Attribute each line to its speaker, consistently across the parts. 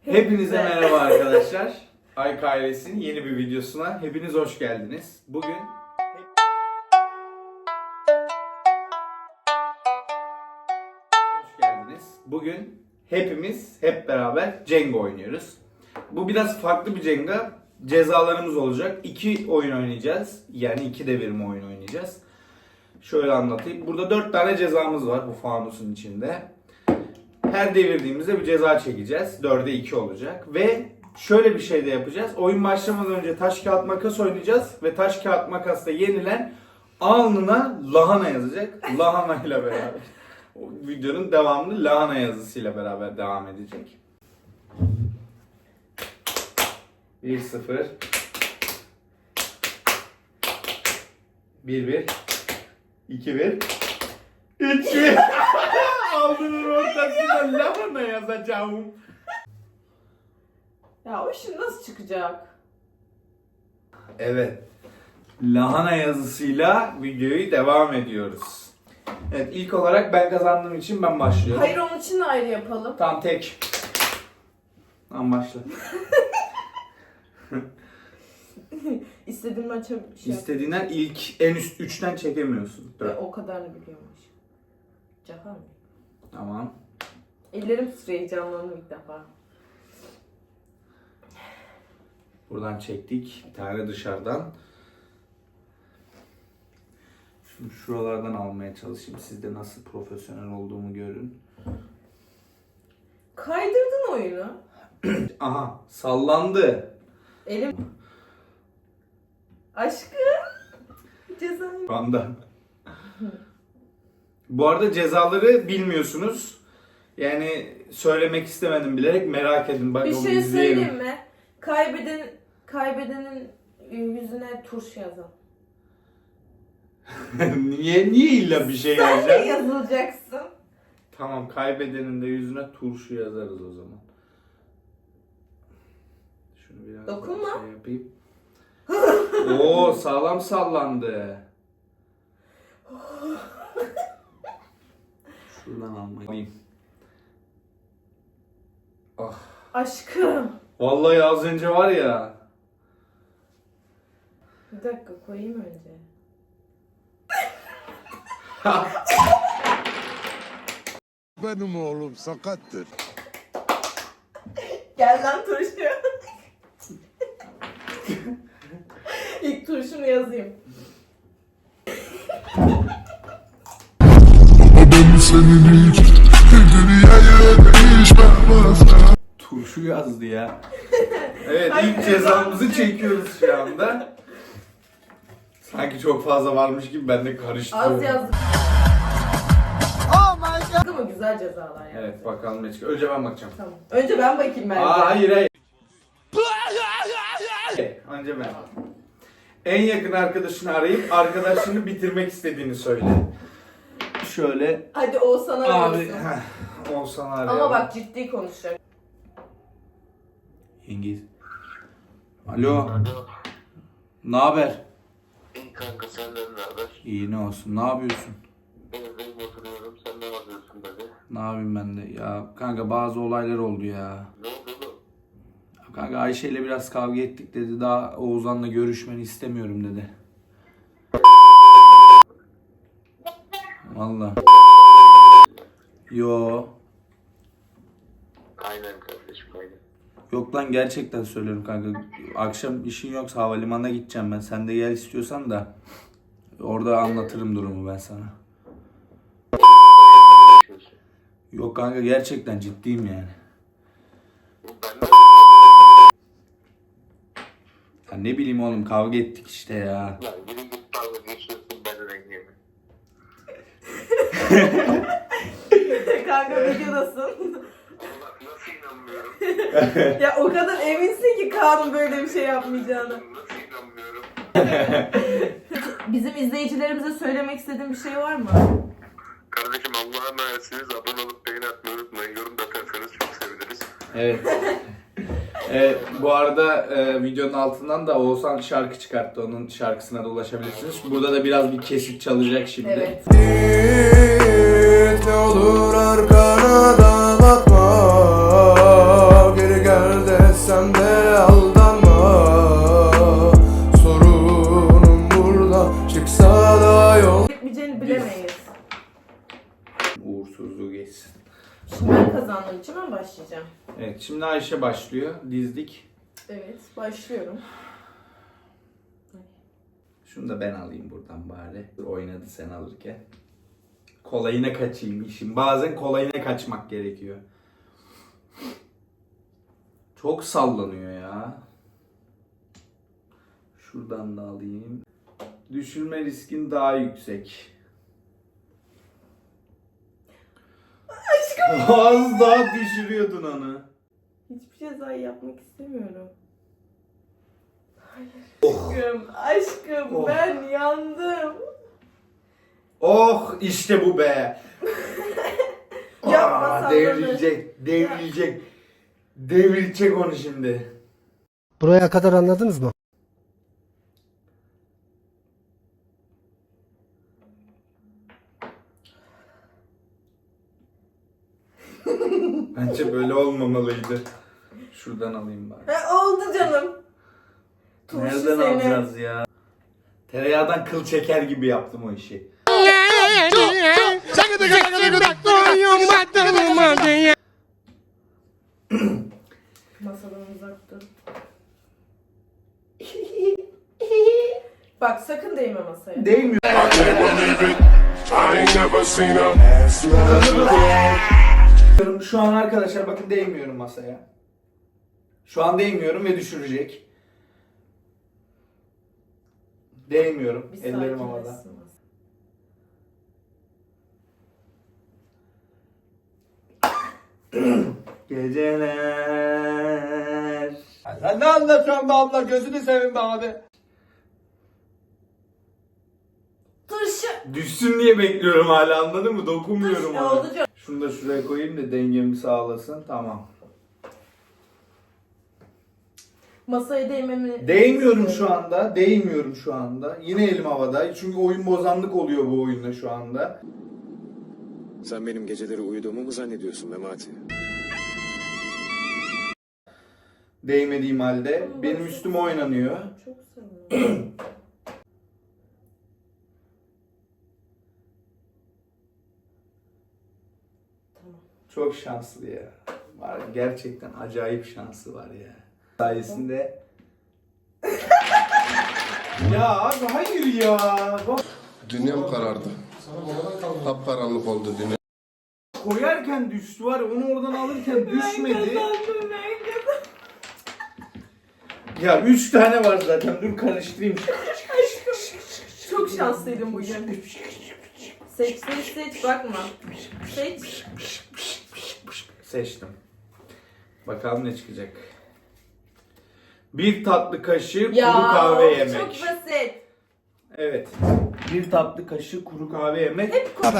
Speaker 1: Hepinize merhaba arkadaşlar. Ayk ailesinin yeni bir videosuna hepiniz hoş geldiniz. Bugün Bugün hepimiz hep beraber Jenga oynuyoruz. Bu biraz farklı bir Jenga. Cezalarımız olacak. 2 oyun oynayacağız. Yani 2 devirme oyun oynayacağız. Şöyle anlatayım. Burada 4 tane cezamız var bu fanusun içinde. Her devirdiğimizde bir ceza çekeceğiz. 4'e 2 olacak. Ve şöyle bir şey de yapacağız. Oyun başlamadan önce taş kağıt makas oynayacağız. Ve taş kağıt makasta yenilen alnına lahana yazacak. Lahana ile beraber. O videonun devamını lahana yazısıyla beraber devam edecek. 1-0 1-1 2-1 3-1 Aldığının ortasında lahana yazacağım.
Speaker 2: Ya o şimdi nasıl çıkacak?
Speaker 1: Evet. Lahana yazısıyla videoyu devam ediyoruz. Evet, ilk olarak ben kazandığım için ben başlıyorum.
Speaker 2: Hayır, onun için de ayrı yapalım.
Speaker 1: Tam tek. Tamam, başla.
Speaker 2: İstediğin maça şey yap.
Speaker 1: İstediğinden ilk en üst 3'ten çekemiyorsun.
Speaker 2: O kadarını biliyormuş. Cahar mı?
Speaker 1: Tamam.
Speaker 2: Ellerim titriyor, heyecanlandım ilk defa.
Speaker 1: Buradan çektik. Bir tane dışarıdan. Şimdi şuralardan almaya çalışayım. Siz de nasıl profesyonel olduğumu görün.
Speaker 2: Kaydırdın oyunu.
Speaker 1: Aha, sallandı.
Speaker 2: Elim... Aşkım. Cezayı.
Speaker 1: Banda. Bu arada cezaları bilmiyorsunuz. Yani söylemek istemedim bilerek, merak edin. Bak,
Speaker 2: Bir
Speaker 1: onu
Speaker 2: şey
Speaker 1: izleyelim.
Speaker 2: söyleyeyim mi? Kaybedenin yüzüne turşu yazalım.
Speaker 1: Niye illa bir şey
Speaker 2: Sen de
Speaker 1: yazacağım?
Speaker 2: yazılacaksın.
Speaker 1: Tamam, kaybedenin de yüzüne turşu yazarız o zaman. Şunu biraz
Speaker 2: Dokunma.
Speaker 1: daha şey yapayım. Oo, sağlam sallandı. Şuradan almayayım. Ah.
Speaker 2: Aşkım.
Speaker 1: Vallahi az önce var ya.
Speaker 2: Bir dakika, koyayım önce.
Speaker 3: Benim oğlum sakattır.
Speaker 2: Gel lan turşu. İlk turşumu yazayım.
Speaker 1: Turşu yazdı ya. Evet, ilk cezamızı çekiyoruz şu anda. Sanki çok fazla varmış gibi ben de karıştırıyorum.
Speaker 2: Az yazdım. Ama güzel cezalar yani.
Speaker 1: Evet, bakalım ne çıkıyor. Önce ben bakacağım.
Speaker 2: Tamam. Önce ben bakayım ben.
Speaker 1: Hayır. Önce ben. En yakın arkadaşını arayıp arkadaşını bitirmek istediğini söyle. Şöyle.
Speaker 2: Hadi Oğuzhan'a
Speaker 1: Abi,
Speaker 2: arıyorsun.
Speaker 1: Oğuzhan'ı arayalım.
Speaker 2: Ama bak, ciddi konuşacak.
Speaker 1: Yengiz. Alo. Ne haber?
Speaker 4: İyi kanka, senden ne haber?
Speaker 1: İyi, ne olsun. Ne yapıyorsun?
Speaker 4: Evdeyim, oturuyorum. Sen ne yapıyorsun dedi.
Speaker 1: Ne yapayım ben de? Ya kanka, bazı olaylar oldu ya.
Speaker 4: Ne oldu oğlum?
Speaker 1: Kanka, Ayşe ile biraz kavga ettik dedi. Daha Oğuzhan'la görüşmeni istemiyorum dedi. Vallahi. Yo.
Speaker 4: Aynen kardeşim, aynen.
Speaker 1: Yok lan, gerçekten söylüyorum kanka. Akşam işin yoksa havalimanına gideceğim ben. Sen de gel istiyorsan da. Orada anlatırım durumu ben sana. Yok kanka, gerçekten ciddiyim yani.
Speaker 4: Ben de
Speaker 1: Ya ne bileyim oğlum, kavga ettik işte ya.
Speaker 4: ya yürü git, dalga geçiyorsun, ben de rengimi.
Speaker 2: Kanka, videodasın.
Speaker 4: Allah, nasıl inanmıyorum?
Speaker 2: Ya o kadar eminsin ki Kaan'ın böyle bir şey yapmayacağını.
Speaker 4: Nasıl inanmıyorum?
Speaker 2: Bizim izleyicilerimize söylemek istediğin bir şey var mı?
Speaker 4: Kardeşim, Allah'a emanetsiniz. Abone olup beğeni atmayı unutmayın. Yorum da atarsanız çok seviniriz.
Speaker 1: Evet. Bu arada videonun altından da Oğuzhan şarkı çıkarttı. Onun şarkısına da ulaşabilirsiniz. Burada da biraz bir kesit çalacak şimdi.
Speaker 2: Evet.
Speaker 3: Ne olur arkana da bakma. Geri gel.
Speaker 1: Evet, şimdi Ayşe başlıyor. Dizdik.
Speaker 2: Evet, başlıyorum.
Speaker 1: Şunu da ben alayım buradan bari. Oynadı sen alırken. Kolayına kaçayım işim. Bazen kolayına kaçmak gerekiyor. Çok sallanıyor ya. Şuradan da alayım. Düşürme riskin daha yüksek. Aşkım. Az daha düşürüyordun onu.
Speaker 2: Hiçbir cezayı yapmak istemiyorum. Hayır.
Speaker 1: Oh.
Speaker 2: Aşkım
Speaker 1: Oh.
Speaker 2: ben yandım.
Speaker 1: Oh işte bu be.
Speaker 2: Yapma sallanır.
Speaker 1: Devrilecek onu şimdi.
Speaker 5: Buraya kadar anladınız mı?
Speaker 1: Bence böyle olmamalıydı. Şuradan alayım bari.
Speaker 2: Oldu canım. Turşu
Speaker 1: Nereden
Speaker 2: seni.
Speaker 1: alacağız ya? Tereyağdan kıl çeker gibi yaptım o işi.
Speaker 2: Masadan uzak dur. Bak sakın değme masaya.
Speaker 1: Değmiyor. Şu an arkadaşlar bakın değmiyorum masaya. Şu an değmiyorum ve düşürecek. Değmiyorum.
Speaker 2: Bir
Speaker 1: Ellerim
Speaker 2: sakinleşsin
Speaker 1: havada.
Speaker 2: masa.
Speaker 1: Geceler.
Speaker 6: Sen ne anlatıyorsun be abla? Gözünü seveyim be abi.
Speaker 2: Turşu.
Speaker 1: Düşsün diye bekliyorum hala, anladın mı? Dokunmuyorum
Speaker 2: Turşu
Speaker 1: ona.
Speaker 2: oldu canım.
Speaker 1: Şunu da şuraya koyayım da dengemi sağlasın. Tamam.
Speaker 2: Masaya değmemi...
Speaker 1: Değmiyorum şu anda. Değmiyorum şu anda. Yine elim havada. Çünkü oyun bozanlık oluyor bu oyunda şu anda.
Speaker 7: Sen benim geceleri uyuduğumu mu zannediyorsun Memati?
Speaker 1: Değmediğim halde benim üstüme oynanıyor.
Speaker 2: Çok seviyorum. Tamam.
Speaker 1: Çok şanslı ya. Var, gerçekten acayip şansı var ya. Sayesinde. Ya abi hayır ya. Bak,
Speaker 3: Dünyam karardı. Kapkaranlık oldu dünya.
Speaker 1: koyarken düştü var ya, onu oradan alırken düşmedi.
Speaker 2: Ben kazandım.
Speaker 1: Ya 3 tane var zaten. Dur karıştırayım.
Speaker 2: Aşkım. Çok şanslıydım bugün. Seç bakma. Seç.
Speaker 1: Seçtim. Bakalım ne çıkacak. Bir tatlı kaşığı kuru kahve yemek.
Speaker 2: Çok basit.
Speaker 1: Evet. Bir tatlı kaşığı kuru kahve yemek.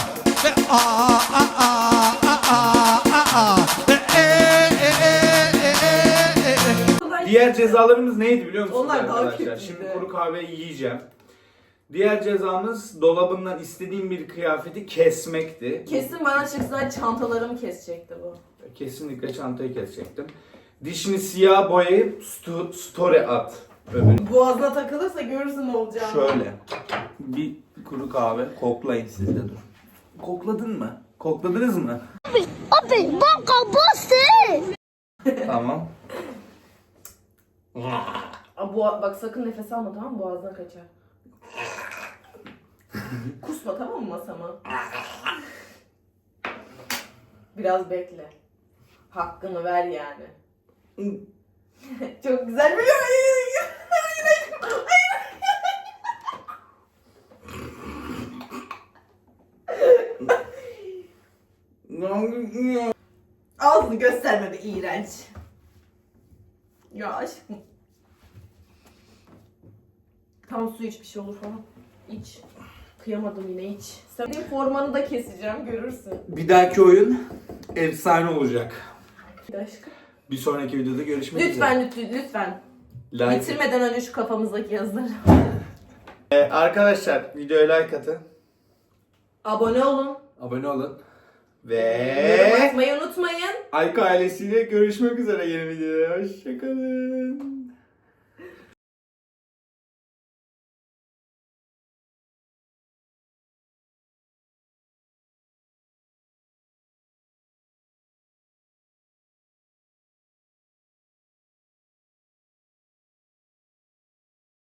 Speaker 1: Diğer cezalarımız neydi biliyor musunuz
Speaker 2: Onlar daha
Speaker 1: arkadaşlar?
Speaker 2: kötüydü.
Speaker 1: Şimdi kuru kahve yiyeceğim. Diğer cezamız dolabından istediğim bir kıyafeti kesmekti.
Speaker 2: Kesin bana çıksa çantalarımı kesecekti bu.
Speaker 1: Kesinlikle çantayı kesecektim. Dişini siyah boyayıp story at. Öbür.
Speaker 2: Boğazına takılırsa görürsün ne olacağını.
Speaker 1: Şöyle. Bir kuru kahve. Koklayın siz de dur. Kokladın mı? Kokladınız mı?
Speaker 8: Abi banka bossy.
Speaker 1: Tamam.
Speaker 2: Bak sakın nefes alma, tamam mı? Boğazına kaçar. Kusma, tamam mı masama? Biraz bekle. Hakkını ver yani. Çok güzel biliyor musun? Ağzını gösterme be, iğrenç. Ya aşkım. Tam su iç, bir şey olur falan. İç. Kıyamadım yine, iç. Senin formanı da keseceğim, görürsün.
Speaker 1: Bir dahaki oyun efsane olacak.
Speaker 2: Aşkım.
Speaker 1: Bir sonraki videoda görüşmek üzere.
Speaker 2: Lütfen.
Speaker 1: Like.
Speaker 2: Bitirmeden önce şu kafamızdaki yazıları.
Speaker 1: Arkadaşlar videoya like atın.
Speaker 2: Abone olun.
Speaker 1: Abone olun.
Speaker 2: Yorum
Speaker 1: Ve
Speaker 2: atmayı unutmayın.
Speaker 1: Ayka ailesiyle görüşmek üzere yeni videoda. Hoşçakalın.